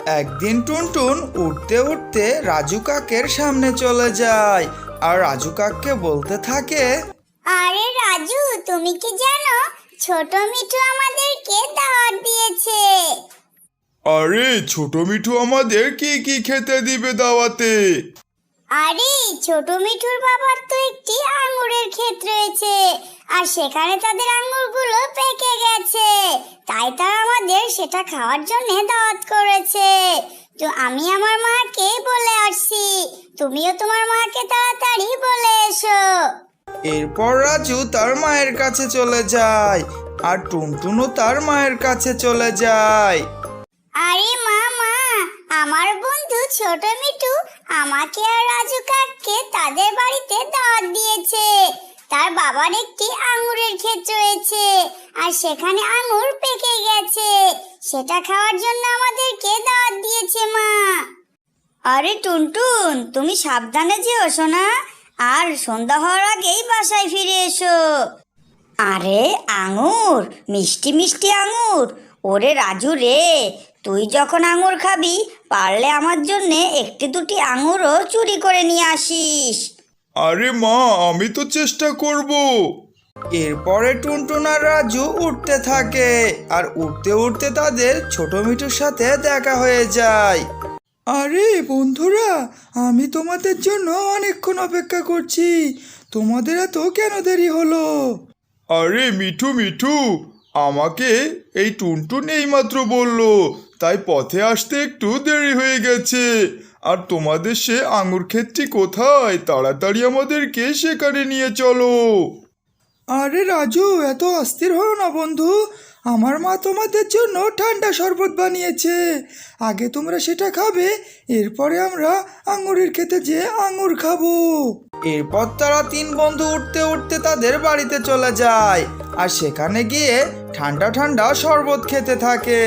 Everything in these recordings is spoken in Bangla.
একদিন টুনটুন উঠতে উঠতে রাজু কাকের সামনে চলে যায় আর রাজু কাককে বলতে থাকে, আরে রাজু, তুমি কি জানো ছোট মিঠু আমাদেরকে দাওয়াত দিয়েছে? আরে ছোট মিঠু আমাদের কি কি খেতে দিবে দাওয়াতে? আরে ছোট মিঠুর বাবার তো একটি আঙ্গুরের ক্ষেত রয়েছে, আর সেখানে তাদের আঙ্গুরগুলো পেকে গেছে, তাই তারা আমাদের সেটা খাওয়ার জন্য দাওয়াত করেছে। তো আমি আমার মাকে বলে আসছি, তুমিও তোমার মাকে তাড়াতাড়ি বলে এসো। এরপর রাজু তার মায়ের কাছে চলে যায় আর টুনটুনও তার মায়ের কাছে চলে যায়। আরে মা, আমার বন্ধু ছোট মিঠু আমাকে আর রাজু কাককে তাদের বাড়িতে দাওয়াত দিয়েছে। তার বাবার একটি আঙ্গুরের ক্ষেত রয়েছে, আর সেখানে আঙ্গুর পেকে গেছে, সেটা খাওয়ার জন্য আমাদেরকে দাওয়াত দিয়েছে মা। আরে টুনটুন, তুমি সাবধানে যেও সোনা, আর সন্ধ্যা হওয়ার আগেই বাসায় ফিরে এসো। আরে আঙ্গুর, মিষ্টি মিষ্টি আঙ্গুর। ওরে রাজু রে, তুই যখন আঙ্গুর খাবি, পারলে আমার জন্যে একটি দুটি আঙ্গুরও চুরি করে নিয়ে আসিস। আরে মা, আমি তো চেষ্টা করব। এরপরে টুনটুন আর রাজু উঠতে থাকে আর উঠতে উঠতে তাদের ছোট মিঠুর সাথে দেখা হয়ে যায়। আরে বন্ধুরা, আমি তোমাদের জন্য অনেকক্ষণ অপেক্ষা করছি, তোমাদের এত কেন দেরি হলো? আরে মিঠু মিঠু, আমাকে এই টুনটুন এইমাত্র বলল, তাই পথে আসতে একটু দেরি হয়ে গেছে। আর তোমাদের সে আঙুর ক্ষেতটি কোথায়? তাড়াতাড়ি আমাদেরকে সেখানে নিয়ে চলো। আরে রাজু, এত অস্থির হও না বন্ধু, আমার মা তোমাদের জন্য ঠান্ডা শরবত বানিয়েছে, আগে তোমরা সেটা খাবে, এরপরে আমরা আঙুরের খেতে যেয়ে আঙুর খাবো। এরপর তারা তিন বন্ধু উঠতে উঠতে তাদের বাড়িতে চলে যায় আর সেখানে গিয়ে ঠান্ডা ঠান্ডা শরবত খেতে থাকে।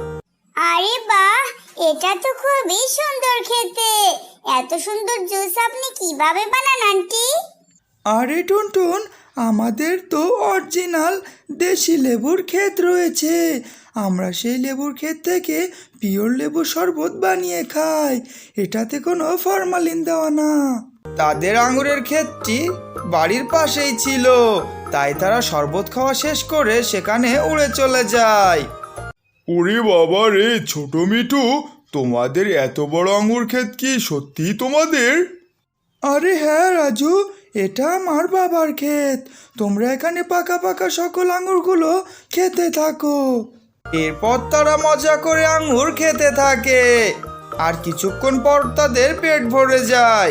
আরে বাহ, এটা তো খুবই সুন্দর খেতে। এত সুন্দর জুস আপনি কিভাবে বানান আন্টি? আরে টুনটুন, আমাদের তো অরিজিনাল দেশি লেবুর ক্ষেত রয়েছে, আমরা সেই লেবুর ক্ষেত থেকে পিওর লেবু শরবত বানিয়ে খাই, এটাতে কোনো ফরমালিন দেওয়া না। তাদের আঙুরের ক্ষেতটি বাড়ির পাশেই ছিল, তাই তারা শরবত খাওয়া শেষ করে সেখানে উড়ে চলে যায়। ওরে বাবা রে ছোট মিঠু, তোমাদের এত বড় আঙুর ক্ষেত কি সত্যিই তোমাদের? আরে হ্যাঁ রাজু, এটা আমার বাবার ক্ষেত, তোমরা এখানে পাকা পাকা সকল আঙুরগুলো খেতে থাকো। এরপর তারা মজা করে আঙুর খেতে থাকে আর কিছুক্ষণ পর তাদের পেট ভরে যায়।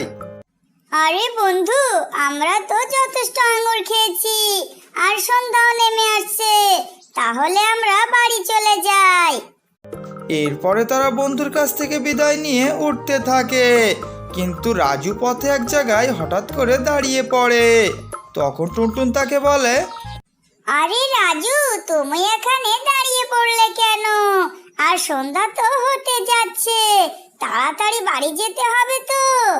আরে বন্ধু, আমরা তো যথেষ্ট আঙ্গুর খেয়েছি, আর সন্ধ্যাও নেমে আসছে, তাহলে আমরা বাড়ি চলে যাই। এরপরে তারা বন্ধুর কাছ থেকে বিদায় নিয়ে উঠতে থাকে, কিন্তু রাজু পথে এক জায়গায় হঠাৎ করে দাঁড়িয়ে পড়ে। তখন টুনটুন তাকে বলে, আরে রাজু, তুমি এখানে দাঁড়িয়ে পড়লে কেন? আর সন্ধ্যা তো হতে যাচ্ছে, তাড়াতাড়ি বাড়ি যেতে হবে তো।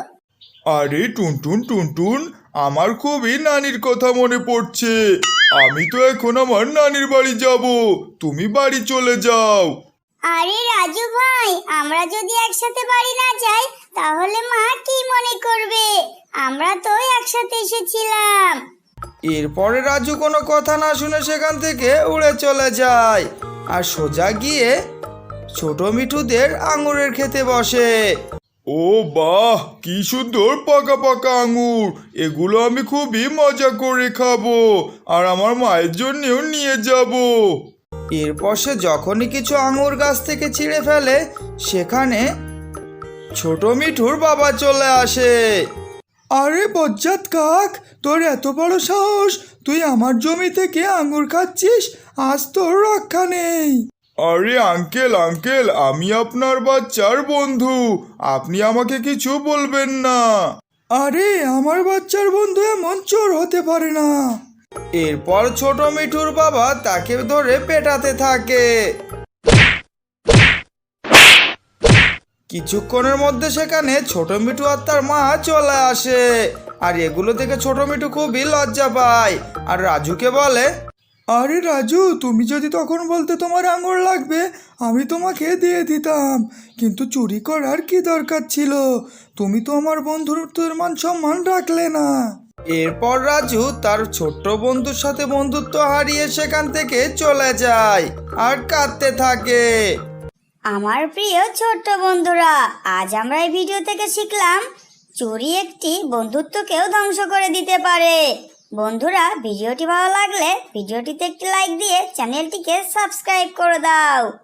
আরে টুনটুন টুনটুন, আমার খুবই নানির কথা মনে পড়ছে। আমি তো এখন আমার নানির বাড়ি যাব, তুমি বাড়ি চলে যাও। আরে রাজু ভাই, আমরা যদি একসাথে বাড়ি না যাই তাহলে মা কি মনে করবে? আমরা তো একসাথে এসেছিলাম। এরপরে রাজু কোনো কথা না শুনে সেখান থেকে উড়ে চলে যায় আর সোজা গিয়ে ছোট মিঠুদের আঙুরের খেতে বসে। ও বাহ, কি সুন্দর পাকা পাকা আঙুর, এগুলো আমি খুবই মজা করে খাবো, আর আমার মায়ের জন্যও নিয়ে যাব। এরপর সে যখনই কিছু আঙুর গাছ থেকে ছিঁড়ে ফেলে, সেখানে ছোট মিঠুর বাবা চলে আসে। আরে বজ্জাত কাক, তোর এত বড় সাহস, তুই আমার জমি থেকে আঙুর খাচ্ছিস, আজ তোর রক্ষা নেই। আরে আঙ্কেল আঙ্কেল, আমি আপনার বাচ্চার বন্ধু, আপনি আমাকে কিছু বলবেন না। আরে আমার বাচ্চার বন্ধু এমন চোর হতে পারে না। এরপর ছোট মিঠুর বাবা তাকে ধরে পেটাতে থাকে। কিছুক্ষণের মধ্যে সেখানে ছোট মিঠু আর তার মা চলে আসে, আর এগুলো থেকে ছোট মিঠু খুবই লজ্জা পায় আর রাজুকে বলে, আরে রাজু, তুমি যদি তখন বলতে তোমার আঙুর লাগবে, আমি তোমাকে দিয়ে দিতাম। কিন্তু চুরি করার কি দরকার ছিল? তুমি তো আমার বন্ধুত্বের মান সম্মান রাখলে না। এরপর রাজু তার ছোট্ট বন্ধুর সাথে বন্ধুত্ব হারিয়ে সেখান থেকে চলে যায় আর কাঁদতে থাকে। আমার প্রিয় ছোট্ট বন্ধুরা, আজ আমরা এই ভিডিও থেকে শিখলাম চুরি একটি বন্ধুত্বকেও ধ্বংস করে দিতে পারে। বন্ধুরা, ভিডিওটি ভালো লাগলে ভিডিওটিতে একটি লাইক দিয়ে চ্যানেলটিকে সাবস্ক্রাইব করে দাও।